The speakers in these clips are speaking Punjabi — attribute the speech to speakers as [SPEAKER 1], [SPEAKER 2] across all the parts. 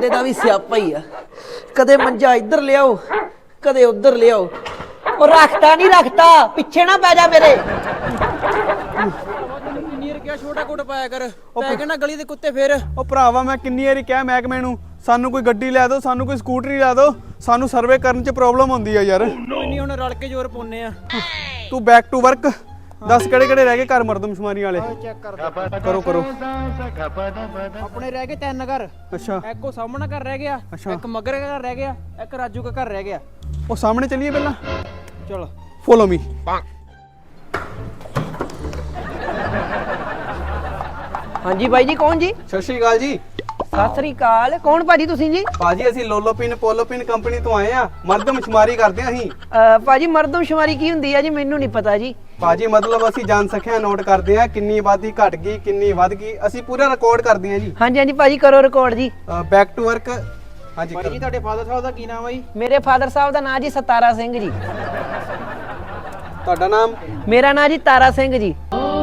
[SPEAKER 1] ਬੰਦੇ ਦਾ ਵੀ ਸਿਆਪਾ ਹੀ ਆ। ਕਦੇ ਮੰਜਾ ਇੱਧਰ ਲਿਆਓ, ਕਦੇ ਉੱਧਰ ਲਿਆਓ। ਉਹ ਰੱਖਤਾ ਨਹੀਂ ਰੱਖਤਾ, ਪਿੱਛੇ ਨਾ ਪੈ ਜਾ ਮੇਰੇ।
[SPEAKER 2] ਕਿੰਨੀ ਵਾਰ ਕਿਹਾ ਛੋਟਾ ਕੋਟ ਪਾਇਆ ਕਰ, ਪੈ ਕੇ ਨਾ ਗਲੀ ਦੇ ਕੁੱਤੇ ਫੇਰ।
[SPEAKER 3] ਉਹ ਭਰਾਵਾ ਮੈਂ ਕਿੰਨੀ ਵਾਰੀ ਕਿਹਾ ਮਹਿਕਮੇ ਨੂੰ ਸਾਨੂੰ ਕੋਈ ਗੱਡੀ ਲੈ ਦਿਓ, ਸਾਨੂੰ ਕੋਈ ਸਕੂਟਰੀ ਲੈ ਦਿਓ, ਸਾਨੂੰ ਸਰਵੇ ਕਰਨ 'ਚ ਪ੍ਰੋਬਲਮ ਹੁੰਦੀ ਆ ਯਾਰ।
[SPEAKER 2] ਨਹੀਂ ਹੁਣ ਰਲ ਕੇ ਜ਼ੋਰ ਪਾਉਨੇ ਆ।
[SPEAKER 3] ਤੂੰ ਬੈਕ ਟੂ ਵਰਕ ਦੱਸ ਕਿਹੜੇ ਕਿਹੜੇ ਰਹਿ ਗਏ ਘਰ ਮਰਦਮਸ਼ੁਮਾਰੀ ਵਾਲੇ।
[SPEAKER 2] ਚੈੱਕ ਕਰ
[SPEAKER 3] ਕਰੋ ਕਰੋ।
[SPEAKER 2] ਆਪਣੇ ਰਹਿ ਗਏ 3 ਘਰ।
[SPEAKER 3] ਅੱਛਾ
[SPEAKER 2] ਇੱਕ ਉਹ ਸਾਹਮਣਾ ਘਰ ਰਹਿ ਗਿਆ,
[SPEAKER 3] ਅੱਛਾ।
[SPEAKER 2] ਇੱਕ ਮਗਰ ਦਾ ਘਰ ਰਹਿ ਗਿਆ, ਇੱਕ ਰਾਜੂ ਦਾ ਘਰ ਰਹਿ ਗਿਆ।
[SPEAKER 3] ਉਹ ਸਾਹਮਣੇ ਚੱਲੀਏ ਪਹਿਲਾਂ,
[SPEAKER 2] ਚਲ
[SPEAKER 3] ਫੋਲੋ ਮੀ।
[SPEAKER 1] ਹਾਂਜੀ ਬਾਈ ਜੀ, ਕੌਣ ਜੀ?
[SPEAKER 3] ਸਤਿ ਸ਼੍ਰੀ ਅਕਾਲ ਜੀ।
[SPEAKER 1] ਸਤਿ ਸ੍ਰੀ ਅਕਾਲ। ਕੌਣ ਭਾਜੀ ਤੁਸੀਂ ਜੀ?
[SPEAKER 3] ਭਾਜੀ ਅਸੀਂ ਲੋਲੋਪਿਨ ਪੋਲੋਪਿਨ ਕੰਪਨੀ ਤੋਂ ਆਏ ਆ, ਮਰਦਮਸ਼ੁਮਾਰੀ ਕਰਦੇ ਆ ਅਸੀਂ।
[SPEAKER 1] ਭਾਜੀ ਮਰਦਮਸ਼ੁਮਾਰੀ ਕੀ ਹੁੰਦੀ ਆ ਜੀ? ਮੈਨੂੰ ਨਹੀਂ ਪਤਾ ਜੀ।
[SPEAKER 3] ਭਾਜੀ ਮਤਲਬ ਅਸੀਂ ਜਨਸੰਖਿਆ ਨੋਟ ਕਰਦੇ ਆ, ਕਿੰਨੀ ਆਬਾਦੀ ਘਟ ਗਈ, ਕਿੰਨੀ ਵੱਧ ਗਈ, ਅਸੀਂ ਪੂਰਾ ਰਿਕਾਰਡ ਕਰਦੇ ਆ ਜੀ।
[SPEAKER 1] ਹਾਂਜੀ ਹਾਂਜੀ ਭਾਜੀ, ਕਰੋ ਰਿਕਾਰਡ ਜੀ।
[SPEAKER 3] Back to work. ਹਾਂਜੀ
[SPEAKER 2] ਭਾਈ ਜੀ ਤੁਹਾਡੇ ਫਾਦਰ ਸਾਹਿਬ ਦਾ ਕੀ ਨਾਮ ਹੈ ਜੀ?
[SPEAKER 1] ਮੇਰੇ ਫਾਦਰ ਸਾਹਿਬ ਦਾ ਨਾਂ ਜੀ ਸਤਾਰਾ ਸਿੰਘ ਜੀ।
[SPEAKER 3] ਤੁਹਾਡਾ ਨਾਮ?
[SPEAKER 1] ਮੇਰਾ ਨਾਂ ਜੀ Tara Singh ji.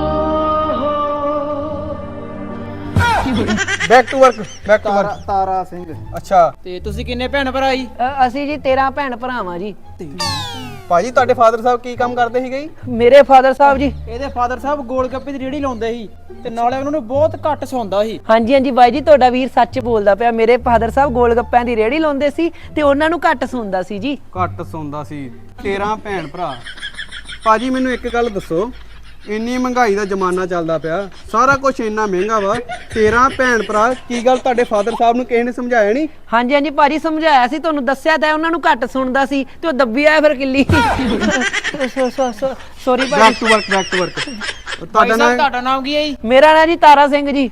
[SPEAKER 3] Back to work, back to work.
[SPEAKER 2] Tara Singh.
[SPEAKER 3] ਅੱਛਾ
[SPEAKER 2] ਤੇ ਤੁਸੀਂ ਕਿੰਨੇ ਭੈਣ ਭਰਾ ਜੀ?
[SPEAKER 1] ਅਸੀਂ ਜੀ 13 ਭੈਣ ਭਰਾਵਾਂ ਜੀ।
[SPEAKER 3] ਭਾਜੀ ਤੁਹਾਡੇ ਫਾਦਰ ਸਾਹਿਬ ਕੀ ਕੰਮ ਕਰਦੇ ਸੀਗੇ ਜੀ?
[SPEAKER 1] ਮੇਰੇ ਫਾਦਰ ਸਾਹਿਬ ਜੀ,
[SPEAKER 2] ਇਹਦੇ ਫਾਦਰ ਸਾਹਿਬ ਗੋਲ ਗੱਪੇ ਦੀ ਰੇਹੜੀ ਲਾਉਂਦੇ ਸੀ ਤੇ ਨਾਲੇ ਉਹਨਾਂ ਨੂੰ ਬਹੁਤ ਘੱਟ ਸੌਂਦਾ ਸੀ।
[SPEAKER 1] ਹਾਂਜੀ ਹਾਂਜੀ ਬਾਈ ਜੀ, ਤੁਹਾਡਾ ਵੀਰ ਸੱਚ ਬੋਲਦਾ ਪਿਆ। ਮੇਰੇ ਫਾਦਰ ਸਾਹਿਬ ਗੋਲ ਗੱਪਿਆਂ ਦੀ ਰੇਹੜੀ ਲਾਉਂਦੇ ਸੀ ਤੇ ਉਹਨਾਂ ਨੂੰ ਘੱਟ ਸੁਣਦਾ ਸੀ ਜੀ।
[SPEAKER 3] ਘੱਟ ਸੌਂਦਾ ਸੀ। 13 ਭੈਣ ਭਰਾ। ਭਾਜੀ ਮੈਨੂੰ ਇੱਕ ਗੱਲ ਦੱਸੋ, ਇੰਨੀ ਮਹਿੰਗਾਈ ਦਾ ਜ਼ਮਾਨਾ ਚੱਲਦਾ ਪਿਆ, ਸਾਰਾ ਕੁਝ ਇੰਨਾ ਮਹਿੰਗਾ ਵਾ, 13 ਭੈਣ ਭਰਾ, ਕੀ ਗੱਲ ਤੁਹਾਡੇ ਫਾਦਰ ਸਾਹਿਬ ਨੂੰ ਕਿਸੇ ਨੇ ਸਮਝਾਇਆ ਨਹੀਂ?
[SPEAKER 1] ਹਾਂਜੀ ਹਾਂਜੀ ਭਾਜੀ, ਸਮਝਾਇਆ ਸੀ, ਤੁਹਾਨੂੰ ਦੱਸਿਆ ਤਾਂ ਉਹਨਾਂ ਨੂੰ ਘੱਟ ਸੁਣਦਾ ਸੀ ਤੇ ਉਹ ਦੱਬੀ ਆਇਆ ਫਿਰ ਕਿੱਲੀ। ਸੌਰੀ
[SPEAKER 3] ਬੈਕ
[SPEAKER 1] ਭਾਜੀ।
[SPEAKER 3] To work, back to work.
[SPEAKER 2] ਭਾਈ ਸਾਹਿਬ ਤੁਹਾਡਾ ਨਾਮ ਕੀ ਹੈ ਜੀ?
[SPEAKER 1] ਮੇਰਾ ਨਾਂ ਜੀ Tara Singh ji.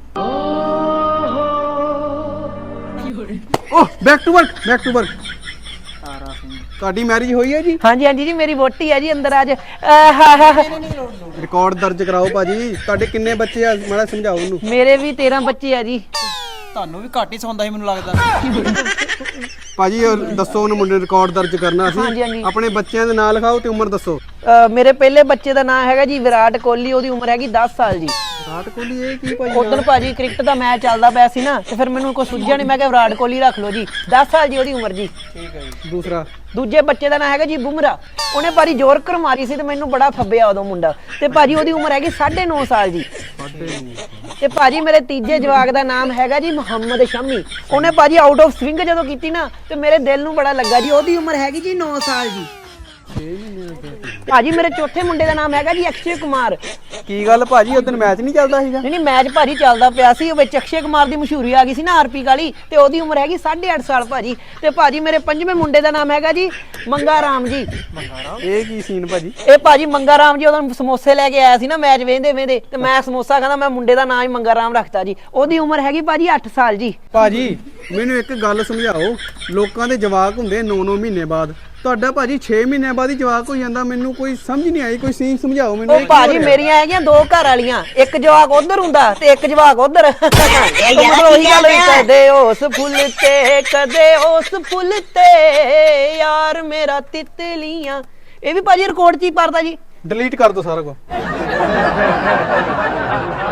[SPEAKER 3] Oh back to work, back to work.
[SPEAKER 2] Tara Singh.
[SPEAKER 3] ਤੁਹਾਡੀ ਮੈਰਿਜ ਹੋਈ ਹੈ ਜੀ?
[SPEAKER 1] ਹਾਂਜੀ ਹਾਂਜੀ ਜੀ, ਮੇਰੀ ਵੋਟੀ ਹੈ ਜੀ ਅੰਦਰ ਅੱਜ।
[SPEAKER 3] ਰਿਕਾਰਡ ਦਰਜ ਕਰਾਓ ਭਾਜੀ। ਤੁਹਾਡੇ ਕਿੰਨੇ ਬੱਚੇ ਆ, ਮਾੜਾ ਸਮਝਾਓ ਉਹਨੂੰ।
[SPEAKER 1] ਮੇਰੇ ਵੀ 13 ਬੱਚੇ ਆ ਜੀ।
[SPEAKER 2] ਤੁਹਾਨੂੰ ਵੀ ਘੱਟ ਹੀ ਸੌਂਦਾ ਸੀ ਮੈਨੂੰ ਲੱਗਦਾ।
[SPEAKER 3] ਭਾਜੀ ਉਹ ਦੱਸੋ ਉਹਨੂੰ, ਮੁੰਡੇ ਰਿਕਾਰਡ ਦਰਜ ਕਰਨਾ
[SPEAKER 1] ਹਾਂਜੀ,
[SPEAKER 3] ਸੀ।
[SPEAKER 1] ਹਾਂਜੀ।
[SPEAKER 3] ਆਪਣੇ ਬੱਚਿਆਂ ਦੇ ਨਾਂ ਲਿਖਾਓ ਤੇ ਉਮਰ ਦੱਸੋ।
[SPEAKER 1] ਮੇਰੇ ਪਹਿਲੇ ਬੱਚੇ ਦਾ ਨਾਮ ਹੈਗਾ ਜੀ ਵਿਰਾਟ ਕੋਹਲੀ, ਉਹਦੀ ਉਮਰ ਹੈਗੀ 10 ਸਾਲ ਜੀ।
[SPEAKER 3] ਵਿਰਾਟ ਕੋਹਲੀ? ਇਹ ਕੀ ਭਾਜੀ?
[SPEAKER 1] ਉਦੋਂ ਭਾਜੀ ਕ੍ਰਿਕਟ ਦਾ ਮੈਚ ਚੱਲਦਾ ਪਿਆ ਸੀ ਨਾ, ਤੇ ਫਿਰ ਮੈਨੂੰ ਕੋਈ ਸੁਝਿਆ ਨਹੀਂ, ਮੈਂ ਕਿਹਾ ਵਿਰਾਟ ਕੋਹਲੀ ਰੱਖ ਲਓ ਜੀ। 10 ਸਾਲ ਜੀ ਉਹਦੀ ਉਮਰ ਜੀ।
[SPEAKER 2] ਠੀਕ ਹੈ ਜੀ।
[SPEAKER 3] ਦੂਸਰਾ?
[SPEAKER 1] ਦੂਜੇ ਬੱਚੇ ਦਾ ਨਾਮ ਹੈਗਾ ਜੀ ਬੁਮਰਾ। ਉਹਨੇ ਭਾਜੀ ਜ਼ੋਰਕਰ ਮਾਰੀ ਸੀ ਤੇ ਮੈਨੂੰ ਬੜਾ ਫੱਬਿਆ ਉਦੋਂ ਮੁੰਡਾ, ਤੇ ਭਾਜੀ ਉਹਦੀ ਉਮਰ ਹੈਗੀ 9.5 ਸਾਲ ਜੀ। ਤੇ ਭਾਜੀ ਮੇਰੇ ਤੀਜੇ ਜਵਾਕ ਦਾ ਨਾਮ ਹੈਗਾ ਜੀ ਮੁਹੰਮਦ ਸ਼ਮੀ। ਉਹਨੇ ਭਾਜੀ ਆਊਟ ਆਫ ਸਵਿੰਗ ਜਦੋਂ ਕੀਤੀ ਨਾ ਤੇ ਮੇਰੇ ਦਿਲ ਨੂੰ ਬੜਾ ਲੱਗਾ ਜੀ। ਉਹਦੀ ਉਮਰ ਹੈਗੀ ਜੀ 9 ਸਾਲ ਜੀ। ਭਾਜੀ ਮੇਰੇ ਚੌਥੇ ਮੁੰਡੇ ਦਾ ਨਾਮ ਹੈਗਾ ਜੀ ਅਕਸ਼ੇ ਕੁਮਾਰ।
[SPEAKER 3] ਕੀ ਗੱਲ ਭਾਜੀ, ਉਦੋਂ ਮੈਚ ਨਹੀਂ ਚੱਲਦਾ ਸੀਗਾ?
[SPEAKER 1] ਨਹੀਂ ਮੈਚ ਭਾਜੀ ਚੱਲਦਾ ਪਿਆ ਸੀ, ਉਹ ਵਿੱਚ ਅਕਸ਼ੇ ਕੁਮਾਰ ਦੀ ਮਸ਼ਹੂਰੀ ਆ ਗਈ ਸੀ ਨਾ ਆਰਪੀ ਵਾਲੀ, ਤੇ ਉਹਦੀ ਉਮਰ ਹੈਗੀ 8.5 ਸਾਲ ਭਾਜੀ। ਤੇ ਭਾਜੀ ਮੇਰੇ ਪੰਜਵੇਂ ਮੁੰਡੇ ਦਾ ਨਾਮ ਹੈਗਾ ਜੀ ਮੰਗਾ ਰਾਮ ਜੀ।
[SPEAKER 3] ਇਹ ਕੀ ਸੀਨ ਭਾਜੀ?
[SPEAKER 1] ਇਹ ਭਾਜੀ ਮੰਗਾ ਰਾਮ ਜੀ ਉਦੋਂ ਸਮੋਸੇ ਲੈ ਕੇ ਆਇਆ ਸੀ ਨਾ ਮੈਚ ਵੇਂਦੇ ਵੇਂਦੇ, ਤੇ ਮੈਂ ਸਮੋਸਾ ਕਹਿੰਦਾ, ਮੈਂ ਮੁੰਡੇ ਦਾ ਨਾਮ ਹੀ ਮੰਗਾ ਰਾਮ ਰੱਖਤਾ ਜੀ। ਉਹਦੀ ਉਮਰ ਹੈਗੀ ਭਾਜੀ 8 ਸਾਲ ਜੀ।
[SPEAKER 3] ਭਾਜੀ ਮੈਨੂੰ ਇੱਕ ਗੱਲ ਸਮਝਾਓ, ਲੋਕਾਂ ਦੇ ਜਵਾਕ ਹੁੰਦੇ 9-9 ਮਹੀਨੇ ਬਾਅਦ, ਤੁਹਾਡਾ ਭਾਜੀ 6 ਮਹੀਨਿਆਂ ਬਾਅਦ ਹੀ ਜਵਾਕ ਹੋ ਜਾਂਦਾ। ਮੈਨੂੰ ਕੋਈ ਸਮਝ ਨਹੀਂ ਆਈ, ਕੋਈ ਸੀਨ ਸਮਝਾਓ ਮੈਨੂੰ।
[SPEAKER 1] ਉਹ ਭਾਜੀ ਮੇਰੀਆਂ ਹੈਗੀਆਂ 2 ਘਰ ਵਾਲੀਆਂ, ਇੱਕ ਜਵਾਕ ਉਧਰ ਹੁੰਦਾ ਤੇ ਇੱਕ ਜਵਾਕ ਉਧਰ। ਉਹੀ ਗੱਲ ਹੋਈ, ਕਦੇ ਉਸ ਫੁੱਲ ਤੇ ਕਦੇ ਉਸ ਫੁੱਲ ਤੇ ਯਾਰ ਮੇਰਾ ਤਿਤਲੀਆਂ। ਇਹ ਵੀ ਭਾਜੀ ਰਿਕਾਰਡ 'ਚ ਹੀ ਪੜਦਾ ਜੀ।
[SPEAKER 3] ਡਿਲੀਟ ਕਰ ਦੋ ਸਾਰਾ ਕੁਝ।